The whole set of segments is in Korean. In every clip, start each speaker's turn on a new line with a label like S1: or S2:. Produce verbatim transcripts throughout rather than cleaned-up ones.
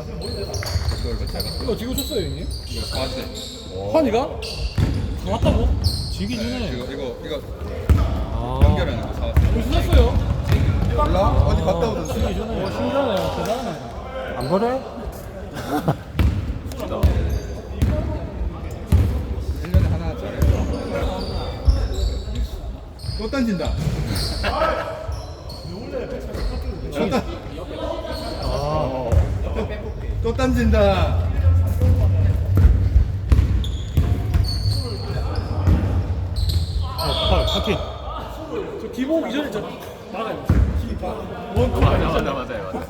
S1: 이거 이거 잘 봤어.
S2: 이거 지고 줬어요 형님?
S1: 이거 사왔대.
S2: 환이가? 왔다고? 지기 전에
S1: 이거 이거 이거
S2: 아
S1: 연결하는 거 사왔어.
S2: 벌써 샀어요?
S1: 몰라? 어디 갔다 오던지.
S2: 지기 전에 오 신기하네요 대단하네 안 그래?
S1: 일 년에 하나 짜리. 또 던진다. 또, 던-
S2: 아
S1: 또 던진다.
S2: 팔, 파킹. 저 기본 이전에 저 막아요. 원 맞아 맞아 맞아요.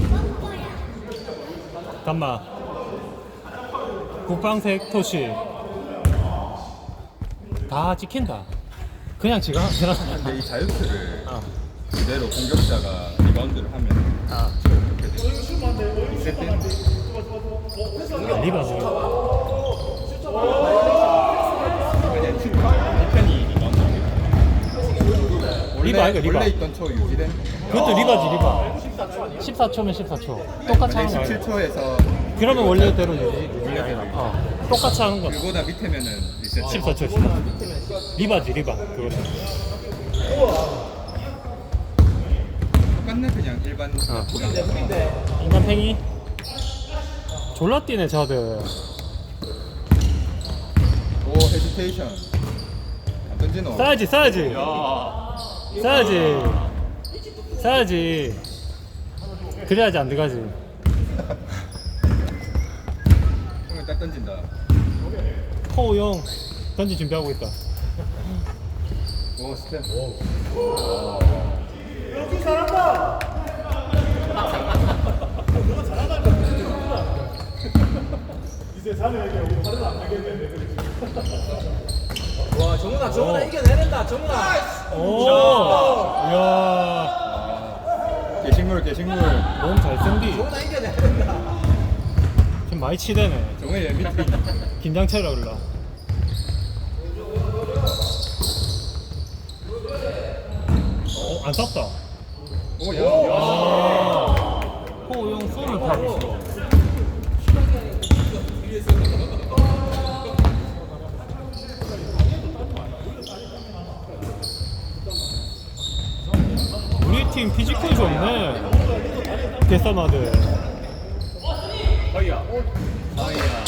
S2: 담마. 국방색 토시. 다 찍힌다. 그냥 지가 지나.
S1: 근데 이 자유투를
S2: 아.
S1: 그대로 공격자가 리바운드를 하면
S2: 아.
S1: 어떻게 돼? 리셋 되는데.
S2: 리바지.
S1: 아니 이 편이 리바운드. 원래
S2: 리바 아이가 리바.
S1: 원래 있던 초 유지된.
S2: 그것도 리바지 리바. 십사 초면 십사 초. 똑같이 하는 거야.
S1: 십칠 초에서
S2: 그러면 원래대로 유지 유지 아니라. 어. 똑같이 하는 거.
S1: 그보다 밑에면은 리셋.
S2: 십사 초. 십사 초. 리바지 리바. 그거.
S1: 똑같네 그냥 일반.
S2: 어. 인간팽이. 졸라 뛰네 저들.
S1: 오 헤지테이션. 안 던지노.
S2: 싸야지 싸야지. 싸야지. 싸야지. 그래야지 안 들어가지.
S1: 형은 딱 던진다.
S2: 호우용 던지 준비하고 있다.
S1: 오 스텝.
S3: 와 정훈아 정훈아 이겨내낸다 정훈아
S2: 오. 이야.
S1: 아, 게식물 게식물.
S2: 몸 잘생기.
S3: 정훈아 이겨내낸다
S2: 지금 많이 치대네.
S1: 정말 엠비티.
S2: 긴장체라 그러라. 어, 안 쌌다.
S1: 오야.
S2: 아. 호우용 쏘는 타고 있어. 우리 팀 피지컬 좋네. 개싸마들.
S1: 어이야. 어이야.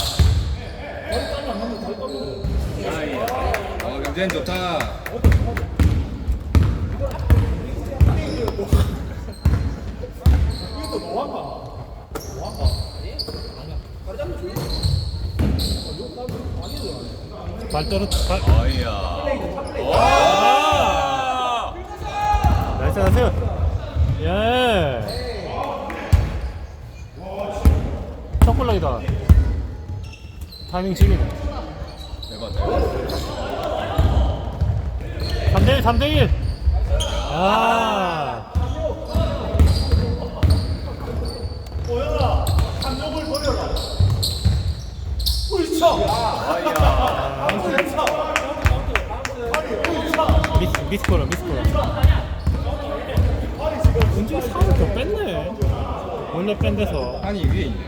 S1: 어이야. 어 경쟁 좋다.
S2: 발 떨어. 발.
S1: 어이야.
S2: 아! 나이스 나이스. 예. 초콜릿이다. 타이밍 지기네.
S1: 대박.
S2: 삼 대 일 삼 대 일. 아. 미스 미스코라 미스코라. 은준이 살을 더 뺐네. 원래 뺀 데서
S1: 한이 위에 있네.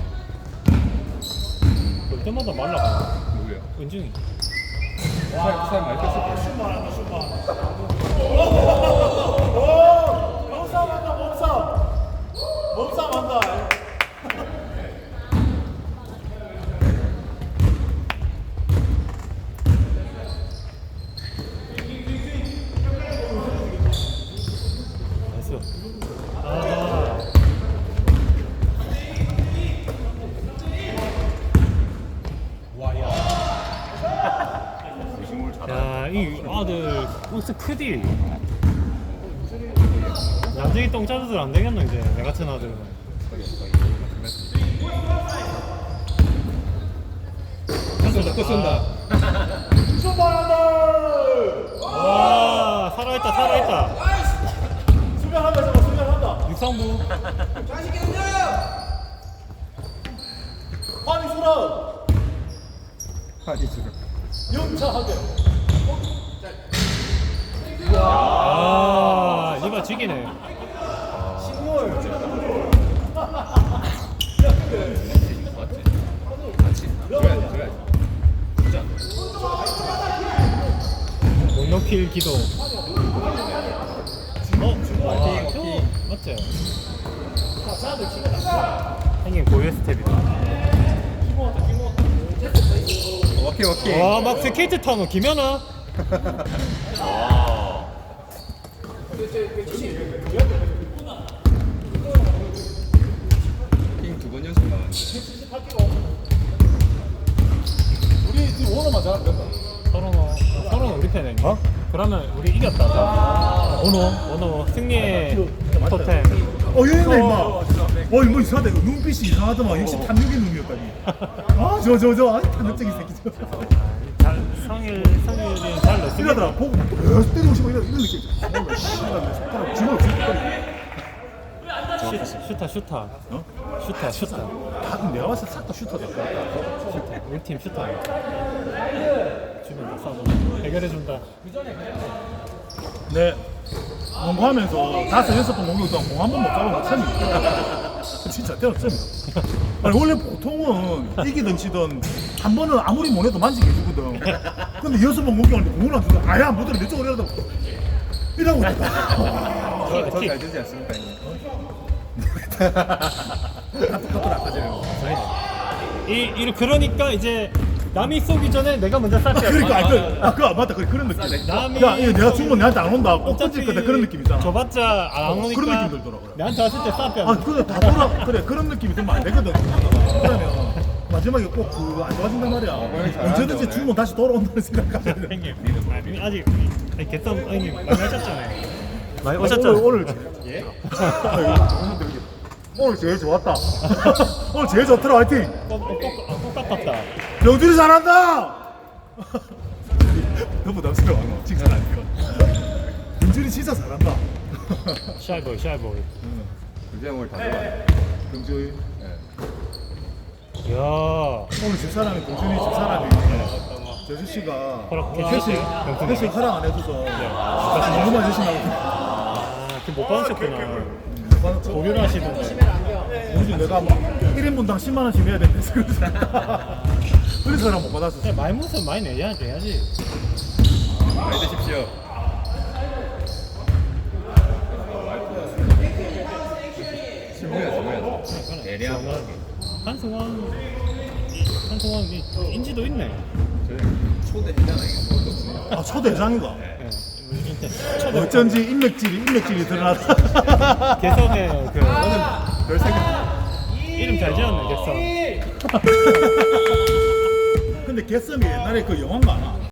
S2: 볼 때마다 말라가.
S1: 누구야?
S2: 은준이.
S1: 살, 살 많이 뺐을 거야.
S3: 몸싸움 한다 몸싸움 몸싸움 한다
S2: 나이스. 아. 야, 이 아들 옷이 크디. 나중에 똥 짜들 안 되겠노 이제 내 같은 아들은.
S1: 쏜다 또 쏜다.
S2: 와 살아있다 살아있다.
S3: 수비한다 저거 수비한다
S2: 육상부.
S3: 환희 수라
S1: 한이 지금.
S3: 영차하게
S2: 아 리바 지기네.
S3: 식물
S4: 제일 기도. 어? 아, 저 맞죠? 형님 고유 스텝이다.
S1: 오케이 오케이.
S4: 와, 막 스케이트 타노 김연아.
S1: 킹 두 번 연속 나왔네.
S3: 우리 지금 오너만 잘하면 된다.
S4: 서로노, 서로노 우리 편에. 어? 그러면 우리 이겼다. 오노, 오노 승리의 토템.
S3: 어, 얘네 임마. 어, 이거 이상하다. 이거 눈빛이 이상하더만. 역시 탐욕의 눈이었다니. 아, 저, 저, 저. 아, 탐욕적인 새끼. 저.
S4: 잘, 성일, 성일이 잘 넣습니다.
S3: 이러더라. 보고, 어, 때리고 싶어. 이런, 이런 느낌. 어, 씨발, 내 손가락 쥐어, 쥐어.
S4: 슈- 슈타, 슈타.
S3: 어?
S4: 슈타, 슈타.
S3: 다, 내가 봤을 때 싹 다 슈터다.
S4: 슈타. 우리 팀 슈타. 주면 싸워. 해결해준다.
S3: 네. 농구하면서 다섯 여섯 번 농구 동안 공 한 번 못 잡으면 참이 진짜 때렸음. 아니 원래 보통은 이기든 지든 한 번은 아무리 못해도 만지게 해주거든. 근데 여섯 번 공격하는데 공을 안 준다. 아야 무더러 내 쪽으로 이러다 이러고 있다.
S1: 저잘 되지 않습니까 형님?
S3: 다 똑같더라 아까 전에.
S4: 이, 이, 그러니까 이제 남이 쏘기 전에 내가 먼저 쌀
S3: 아,
S4: 때야.
S3: 그러니까 아, 그, 아, 그 맞다 그 그런 느낌.
S4: 남이-
S3: 야 이거 내가 주면 내한테 안 온다. 꼭 던질 거다 그런 느낌 있잖아.
S4: 줘봤자 안
S3: 어,
S4: 오니까
S3: 그런 느낌 들더라, 그래.
S4: 나한테 왔을 때 쌀 때야.
S3: 아 그래 다 돌아 그래 그런 느낌이 들면 안 되거든. 그러면 마지막에 꼭 그 안 좋아진단 말이야.
S1: 형이 잘하는데,
S3: 언제든지
S1: 오늘.
S3: 주면 다시 돌아온다는 생각하면 돼.
S4: 형님, 아니, 아직 아니 개썸 형님 많이 하셨잖아요. 많이
S3: 오늘
S4: 오셨잖아요.
S3: 오늘 예? 오늘 제일 좋았다. 오늘 제일 좋더라 화이팅.
S4: 똑같다.
S3: 병준이 잘한다. 너무 부담스러워. 칭찬 아니까. 병준이 진짜 잘한다.
S4: 샤이보이, 샤이보이.
S1: 그제 오늘 다 들어가.
S3: 병준이.
S4: 이야,
S3: 오늘 집 사람이 병준이 집 사람이 재수 씨가
S4: 허락
S3: 회식
S4: 해주세요.
S3: 회식 허락 안 해줘서 너무만 주신다고.
S4: 아, 그못 받으셨구나. 고려를 하시던데.
S3: 요즘 내가 막 일 인분당 십만 원씩 내야 된대. 그래서 사람 못 받았어.
S4: 근데 말문서 많이 내야 돼야지.
S1: 많이 드십시오. 신부야 신부야. 대량.
S4: 한승원, 한승원 이 인지도 있네.
S1: 저희 초대 회장 아니겠습니까?
S3: 아 초대장인가?
S4: 예, 우리 인테 초대.
S3: 어쩐지 인맥질이 인맥질이 드러났다.
S4: 개성의 그
S1: 별 생각.
S4: 이름 잘 지었네 개성.
S3: 근데 개썸이 옛날에 그 영화인가 안 와?